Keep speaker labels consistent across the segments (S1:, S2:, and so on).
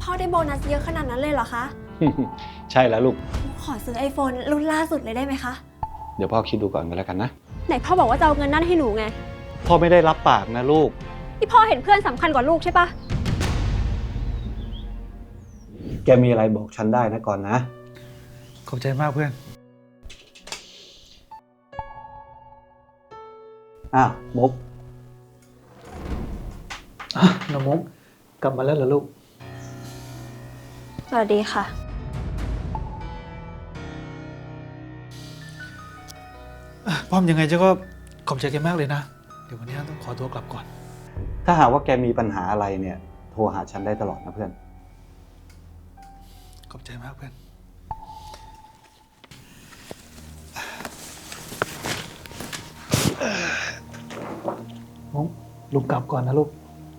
S1: พ่อได้โบนัสเยอะขนาดนั้นเลยเหรอคะ
S2: ใช่แล้วลูก
S1: ขอซื้อ iPhone รุ่นล่าสุดเลยได้ไหมคะ
S2: เดี๋ยวพ่อคิดดูก่อนก็แล้วกันนะ
S1: ไหนพ่อบอกว่าจะเอาเงินนั่นให้หนูไง
S2: พ่อไม่ได้รับปากนะลูก
S1: ที่พ่อเห็นเพื่อนสำคัญกว่าลูกใช่ปะ
S2: แกมีอะไรบอกฉันได้นะก่อนนะ
S3: ขอบใจมากเพื่อน
S2: มุก
S3: น้องมุกกลับมาแล้วเหรอลูก
S1: สวัสดีค่ะ
S3: ป้อมยังไงเจ้าก็ขอบใจแกมากเลยนะ เดี๋ยววันนี้ต้องขอตัวกลับก่อน
S2: ถ้าหากว่าแกมีปัญหาอะไรเนี่ย โทรหาฉันได้ตลอดนะเพื่อน
S3: ขอบใจมากเพื่อน มุกลุกกลับก่อนนะลูก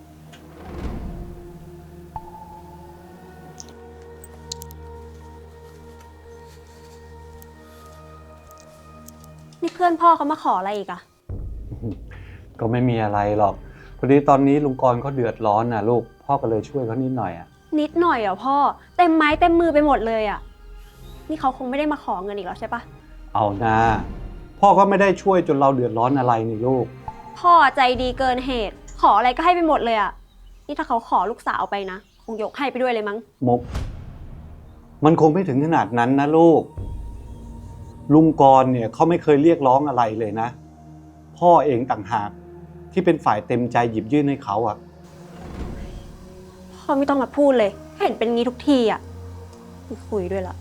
S1: นี่เพื่อนพ่อเขามาขออะไรอีกอะ
S2: ก็ไม่มีอะไรหรอกพอดีตอนนี้ลุงกรณ์เขาเดือดร้อนนะลูก พ่อก็เลยช่วยเขานิดหน่อยอ่ะ
S1: นิดหน่อยเหรอพ่อ เต็มไม้เต็มมือไปหมดเลยอะนี่เขาคงไม่ได้มาขอเงินอีกแล้วใช่ปะ
S2: เอานะพ่อก็ไม่ได้ช่วยจนเราเดือดร้อนอะไรนี่ลูก
S1: พ่อใจดีเกินเหตุ ขออะไรก็ให้ไปหมดเลยอะนี่ถ้าเขาขอลูกสาวไปนะ คงยกให้ไปด้วยเลยมั้ง
S2: มุก มันคงไม่ถึงขนาดนั้นนะลูก ลุงกรณ์เนี่ยเขาไม่เคยเรียกร้องอะไรเลยนะ พ่อเองต่างหากที่เป็นฝ่ายเต็มใจหยิบยื่นให้เขาอะ
S1: พ่อไม่ต้องมาพูดเลย เห็นเป็นงี้ทุกทีอะไม่คุยด้วยละ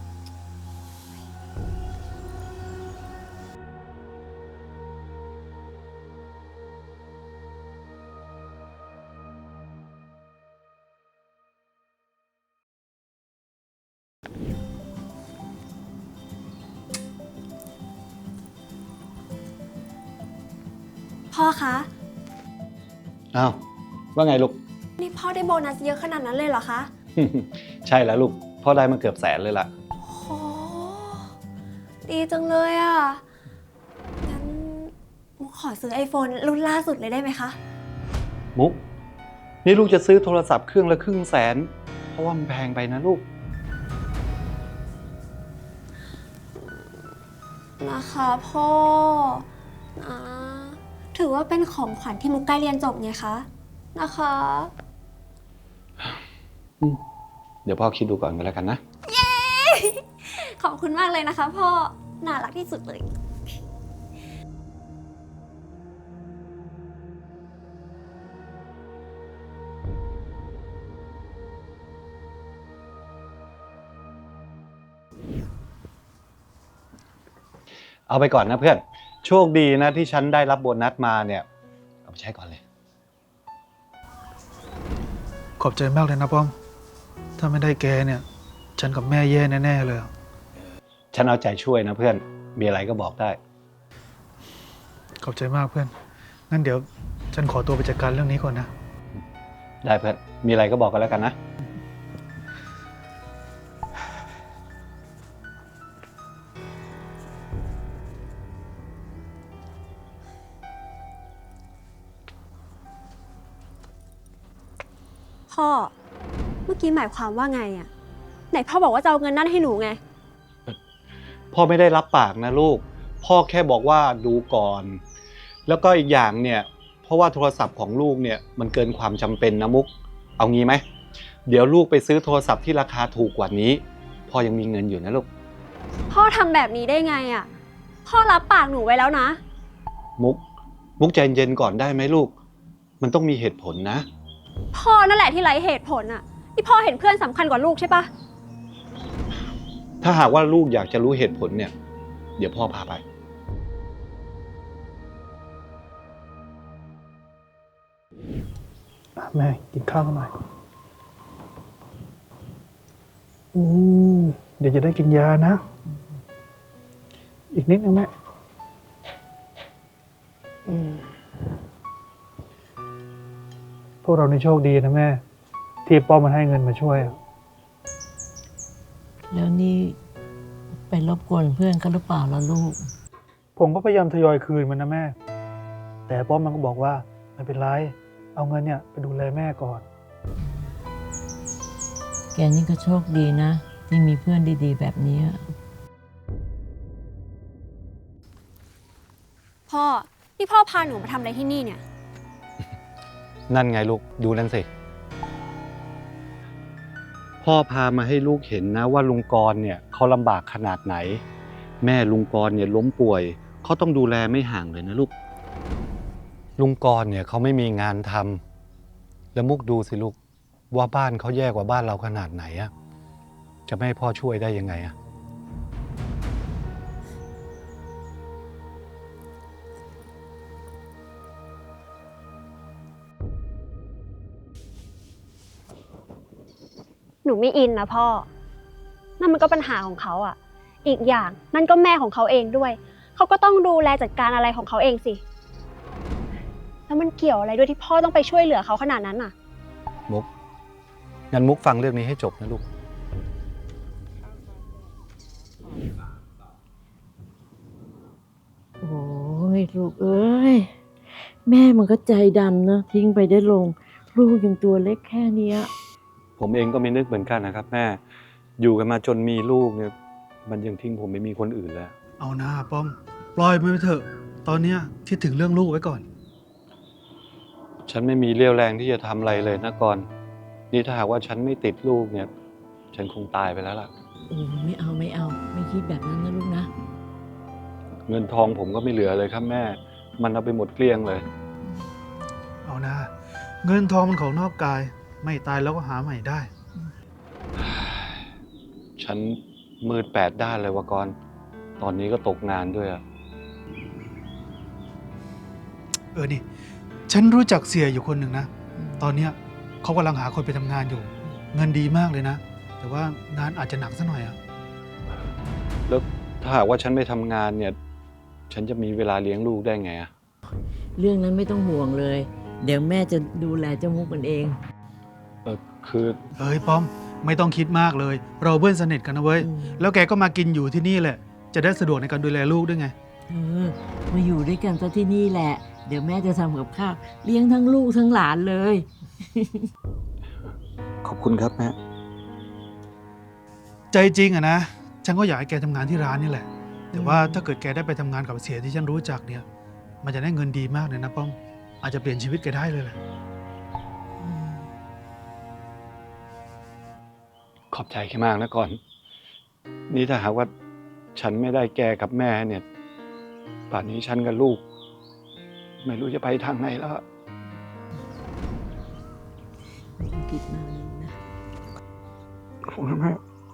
S1: พ่อคะ
S2: อ้าวว่าไงลูก
S1: นี่พ่อได้โบนัสเยอะขนาดนั้นเลยเหรอคะ
S2: ใช่แล้วลูก พ่อได้มาเกือบ100,000เลยล่ะ
S1: โหดีจังเลยอ่ะ งั้นมุกขอซื้อ iPhone รุ่นล่าสุดเลยได้ไหมคะ
S2: มุก นี่ลูกจะซื้อโทรศัพท์เครื่องละ150,000เพราะว่ามันแพงไปนะลูก
S1: นะคะพ่อนะถือว่าเป็นของขวัญที่มุกใกล้เรียนจบไงคะนะคะ
S2: เดี๋ยวพ่อคิดดูก่อนก็แล้วกันนะ
S1: ขอบคุณมากเลยนะคะพ่อ น่ารักที่สุดเลย
S2: เอาไปก่อนนะเพื่อน โชคดีนะที่ฉันได้รับโบนัสมาเนี่ย เอาไปใช้ก่อนเลย
S3: ขอบใจมากเลยนะป้อม ถ้าไม่ได้แกเนี่ย ฉันกับแม่แย่แน่ๆเลย
S2: ฉันเอาใจช่วยนะเพื่อน มีอะไรก็บอกได้
S3: ขอบใจมากเพื่อน งั้นเดี๋ยวฉันขอตัวไปจัดการเรื่องนี้ก่อนนะ
S2: ได้เพื่อน มีอะไรก็บอกกันแล้วกันนะ
S1: พ่อ เมื่อกี้หมายความว่าไงอะไหนพ่อบอกว่าจะเอาเงินนั่นให้หนูไง
S2: พ่อไม่ได้รับปากนะลูก พ่อแค่บอกว่าดูก่อน แล้วก็อีกอย่างเนี่ย เพราะว่าโทรศัพท์ของลูกเนี่ยมันเกินความจำเป็นนะมุก เอางี้ไหม เดี๋ยวลูกไปซื้อโทรศัพท์ที่ราคาถูกกว่านี้ พ่อยังมีเงินอยู่นะลูก
S1: พ่อทำแบบนี้ได้ไงอะพ่อรับปากหนูไว้แล้วนะ
S2: มุกใจเย็นก่อนได้ไหมลูก มันต้องมีเหตุผลนะ
S1: พ่อนั่นแหละที่ไร้เหตุผลอะที่พ่อเห็นเพื่อนสำคัญกว่าลูกใช่ปะ
S2: ถ้าหากว่าลูกอยากจะรู้เหตุผลเนี่ย เดี๋ยวพ่อพาไป
S3: แม่กินข้าวกันหน่อยเดี๋ยวจะได้กินยานะ อีกนิดนึงแม่พวกเราในโชคดีนะแม่ ที่ป้อมมันให้เงินมาช่วย
S4: แล้วนี่ไปรบกวนเพื่อนเขาหรือเปล่าล่ะลูก
S3: ผมก็พยายามทยอยคืนมันนะแม่ แต่ป้อมมันก็บอกว่าไม่เป็นไร เอาเงินเนี่ยไปดูแลแม่ก่อน
S4: แกนี่ก็โชคดีนะ ที่มีเพื่อนดีๆ แบบนี้
S1: พ่อ นี่พ่อพาหนูมาทำอะไรที่นี่เนี่ย
S2: นั่นไงลูกดูนั่นสิ พ่อพามาให้ลูกเห็นนะว่าลุงกรณ์เนี่ยเขาลำบากขนาดไหน แม่ลุงกรณ์เนี่ยล้มป่วยเขาต้องดูแลไม่ห่างเลยนะลูก ลุงกรณ์เนี่ยเขาไม่มีงานทำแล้วมุกดูสิลูกว่าบ้านเขาแย่กว่าบ้านเราขนาดไหนอะจะไม่ให้พ่อช่วยได้ยังไงอะ
S5: หนูไม่อินนะพ่อ นั่นมันก็ปัญหาของเขาอ่ะ อีกอย่างนั่นก็แม่ของเขาเองด้วย เขาก็ต้องดูแลจัดการอะไรของเขาเองสิ แล้วมันเกี่ยวอะไรด้วยที่พ่อต้องไปช่วยเหลือเขาขนาดนั้นอ่ะ
S2: มุกงั้นมุกฟังเรื่องนี้ให้จบนะลูก
S4: โอ้ยลูกเอ้ย แม่มันก็ใจดำนะทิ้งไปได้ลง ลูกยังตัวเล็กแค่เนี้ย
S2: ผมเองก็ไม่นึกเหมือนกันนะครับแม่อยู่กันมาจนมีลูกเนี่ยมันยังทิ้งผมไม่มีคนอื่นแล้ว
S3: เอาหน้าป้อม ปล่อยมันไปเถอะ ตอนเนี้ยคิดถึงเรื่องลูกไว้ก่อน
S2: ฉันไม่มีเรี่ยวแรงที่จะทำอะไรเลยนะกรณ์นี่ถ้าหากว่าฉันไม่ติดลูกเนี่ย ฉันคงตายไปแล้วล่ะ
S4: ไม่เอาไม่คิดแบบนั้นนะลูกนะ
S2: เงินทองผมก็ไม่เหลือเลยครับแม่ มันเอาไปหมดเกลี้ยงเลย
S3: เอาหน้าเงินทองมันของนอกกาย ไม่ตายแล้วก็หาใหม่ได้
S2: ฉันมืด8 ด้านเลยวะกรณ์ตอนนี้ก็ตกงานด้วยอะ
S3: นี่ ฉันรู้จักเสียอยู่คนหนึ่งนะ ตอนเนี้ยเขากำลังหาคนไปทำงานอยู่ เงินดีมากเลยนะ แต่ว่างานอาจจะหนักซะหน่อยอะ
S2: แล้วถ้าหากว่าฉันไม่ทำงานเนี่ย ฉันจะมีเวลาเลี้ยงลูกได้ไงอะ
S4: เรื่องนั้นไม่ต้องห่วงเลย เดี๋ยวแม่จะดูแลเจ้ามุกมันเอง
S2: คือ
S3: ป้อม ไม่ต้องคิดมากเลย เราเพื่อนสนิทกันนะเว้ย แล้วแกก็มากินอยู่ที่นี่แหละ จะได้สะดวกในการดูแลลูกด้วยไง
S4: มาอยู่ด้วยกันซะที่นี่แหละ เดี๋ยวแม่จะทำกับข้าวเลี้ยงทั้งลูกทั้งหลานเลย
S2: ขอบคุณครับแม่
S3: ใจจริงอะนะ ฉันก็อยากให้แกทำงานที่ร้านนี่แหละ แต่ว่าถ้าเกิดแกได้ไปทำงานกับเสียที่ฉันรู้จักเนี่ย มันจะได้เงินดีมากเลยนะป้อม อาจจะเปลี่ยนชีวิตแกได้เลยแหละ
S2: ขอบใจแค่มากนะก่อน นี่ถ้าหากว่าฉันไม่ได้แกกับแม่เนี่ย ป่านนี้ฉันกับลูก ไม่รู้จะไปทางไหนแล้ว
S4: ไม่ต้องคิดมากนะ
S2: ขอบคุณแม่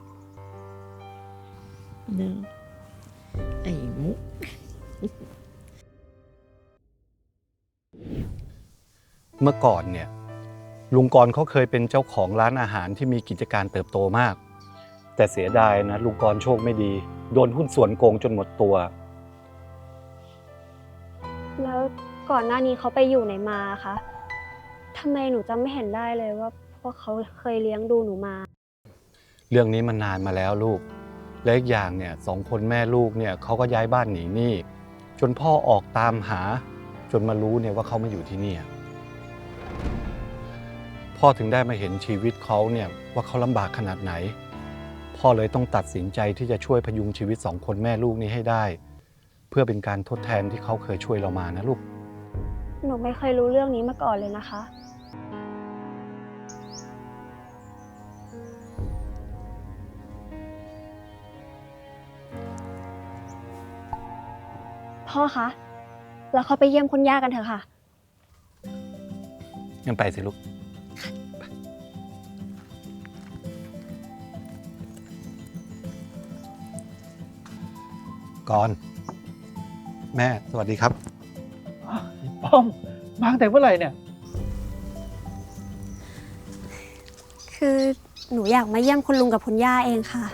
S4: เนอะไอ้มุก
S2: เมื่อก่อนเนี่ยลุงกรณ์เขาเคยเป็นเจ้าของร้านอาหารที่มีกิจการเติบโตมาก แต่เสียดายนะลุงกรณ์โชคไม่ดี โดนหุ้นส่วนโกงจนหมดตัว
S5: แล้วก่อนหน้านี้เขาไปอยู่ไหนมาคะทำไมหนูจำไม่เห็นได้เลยว่าพวกเขาเคยเลี้ยงดูหนูมา
S2: เรื่องนี้มันนานมาแล้วลูก และอีกอย่างเนี่ย2 คนแม่ลูกเนี่ยเขาก็ย้ายบ้านหนีหนี้จนพ่อออกตามหาจนมารู้เนี่ยว่าเขามาอยู่ที่นี่พ่อถึงได้มาเห็นชีวิตเขาเนี่ยว่าเขาลำบากขนาดไหน พ่อเลยต้องตัดสินใจที่จะช่วยพยุงชีวิต2 คนแม่ลูกนี้ให้ได้ เพื่อเป็นการทดแทนที่เขาเคยช่วยเรามานะลูก
S5: หนูไม่เคยรู้เรื่องนี้มาก่อนเลยนะคะ พ่อคะ เราเข้าไปเยี่ยมคุณย่ากันเถอะค่ะ
S2: งั้นไปสิลูก ก่อน แม่สวัสดีครับ
S3: ป้อม มาตั้งแต่เมื่อไหร่เนี่ย
S1: คือหนูอยากมาเยี่ยมคุณลุงกับคุณย่าเองค่ะ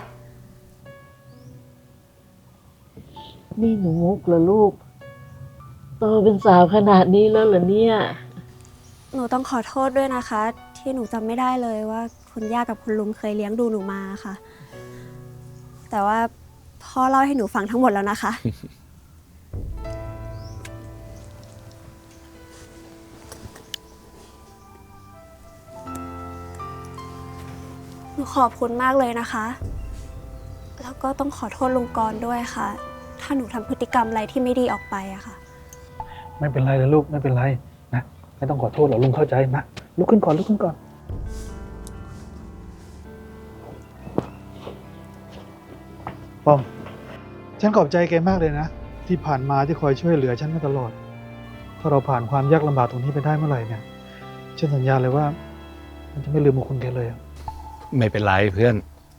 S4: นี่หนูมุกเหรอลูก โตเป็นสาวขนาดนี้แล้วเหรอเนี่ย
S1: หนูต้องขอโทษด้วยนะคะ ที่หนูจำไม่ได้เลยว่าคุณย่ากับคุณลุงเคยเลี้ยงดูหนูมาค่ะ แต่ว่าพ่อเล่าให้หนูฟังทั้งหมดแล้วนะคะ หนูขอบคุณมากเลยนะคะ แล้วก็ต้องขอโทษลุงกรณ์ด้วยค่ะ ถ้าหนูทำพฤติกรรมอะไรที่ไม่ดีออกไปอะค่ะ
S3: ไม่เป็นไรเลยลูกไม่เป็นไรนะไม่ต้องขอโทษหรอกลุงเข้าใจมาลุกขึ้นก่อนลุกขึ้นก่อนป้อมฉันขอบใจแกมากเลยนะที่ผ่านมาที่คอยช่วยเหลือฉันมาตลอด ถ้าเราผ่านความยากลำบากตรงนี้ไปได้เมื่อไหร่เนี่ยฉันสัญญาเลยว่ามันจะไม่ลืมบุญคุณแกเลยอะ
S2: ไม่เป็นไรเพื่อน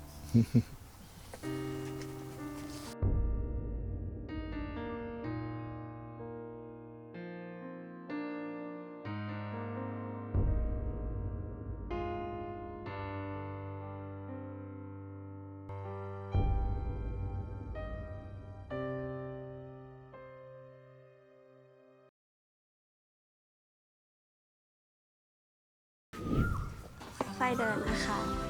S1: ค่อยเดินนะคะ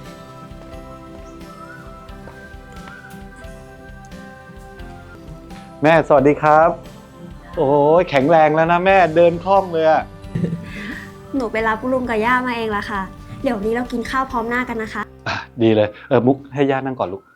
S2: แม่สวัสดีครับ โอ้ยแข็งแรงแล้วนะแม่เดินคล่องเลยอะ
S1: หนูไปรับลุงกับย่ามาเองละค่ะ เดี๋ยวนี้เรากินข้าวพร้อมหน้ากันนะคะ
S2: อ่ะดีเลยมุกให้ย่านั่งก่อนลูก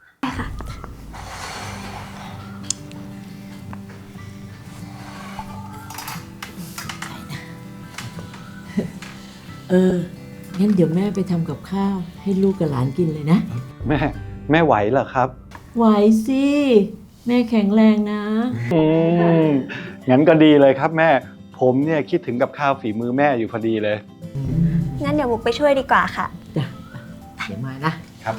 S4: งั้นเดี๋ยวแม่ไปทำกับข้าวให้ลูกกับหลานกินเลยนะ
S2: แม่ไหวเหรอครับ
S4: ไหวสิ แม่แข็งแรงนะ
S2: อืมงั้นก็ดีเลยครับแม่ ผมเนี่ยคิดถึงกับข้าวฝีมือแม่อยู่พอดีเลย
S1: งั้นเดี๋ยวมุกไปช่วยดีกว่าค่ะ
S4: จ้ะเดี๋ยวมานะ
S2: ครับ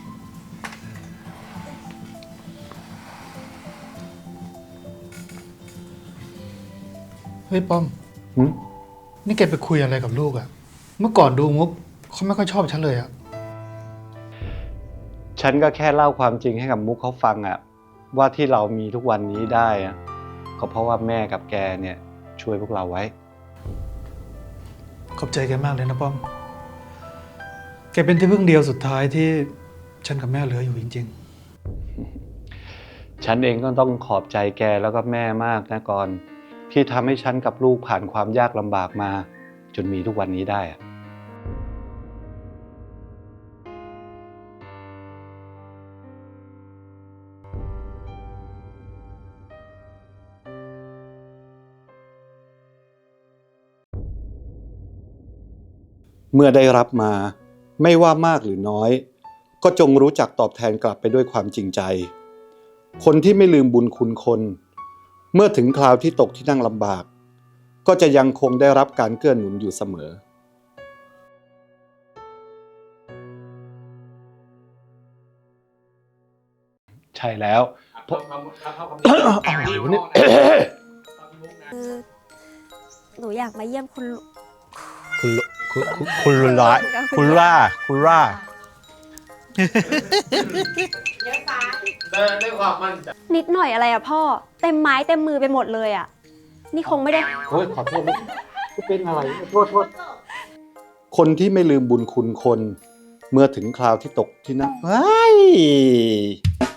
S3: เฮ้ยป้อม
S2: หืม
S3: นี่แกไปคุยอะไรกับลูกอะเมื่อก่อนดูมุกเขาไม่ค่อยชอบฉันเลยอะ
S2: ฉันก็แค่เล่าความจริงให้กับมุกเขาฟังอะว่าที่เรามีทุกวันนี้ได้อะก็เพราะว่าแม่กับแกเนี่ยช่วยพวกเราไว้
S3: ขอบใจแกมากเลยนะป้อม แกเป็นที่พึ่งเดียวสุดท้ายที่ฉันกับแม่เหลืออยู่จริง
S2: ฉันเองก็ต้องขอบใจแกแล้วก็แม่มากนะกรณ์ที่ทำให้ฉันกับลูกผ่านความยากลำบากมา จนมีทุกวันนี้ได้อะ เมื่อได้รับมาไม่ว่ามากหรือน้อย ก็จงรู้จักตอบแทนกลับไปด้วยความจริงใจ คนที่ไม่ลืมบุญคุณคน เมื่อถึงคราวที่ตกที่นั่งลำบาก ก็จะยังคงได้รับการเกื้อหนุนอยู่เสมอ ใช่แล้วอะไรวะเนี่ย
S1: คือหนูอยากมาเยี่ยมคุณลุง
S2: คุณล่าคุณล่า
S5: นิดหน่อยอะไรอะพ่อ เต็มไม้เต็มมือไปหมดเลยอะนี่คงไม่ได้
S2: โอ้ยขอโทษลูกเป็นอะไรโทษคนที่ไม่ลืมบุญคุณคน เมื่อถึงคราวที่ตกที่นั่งเฮ้ย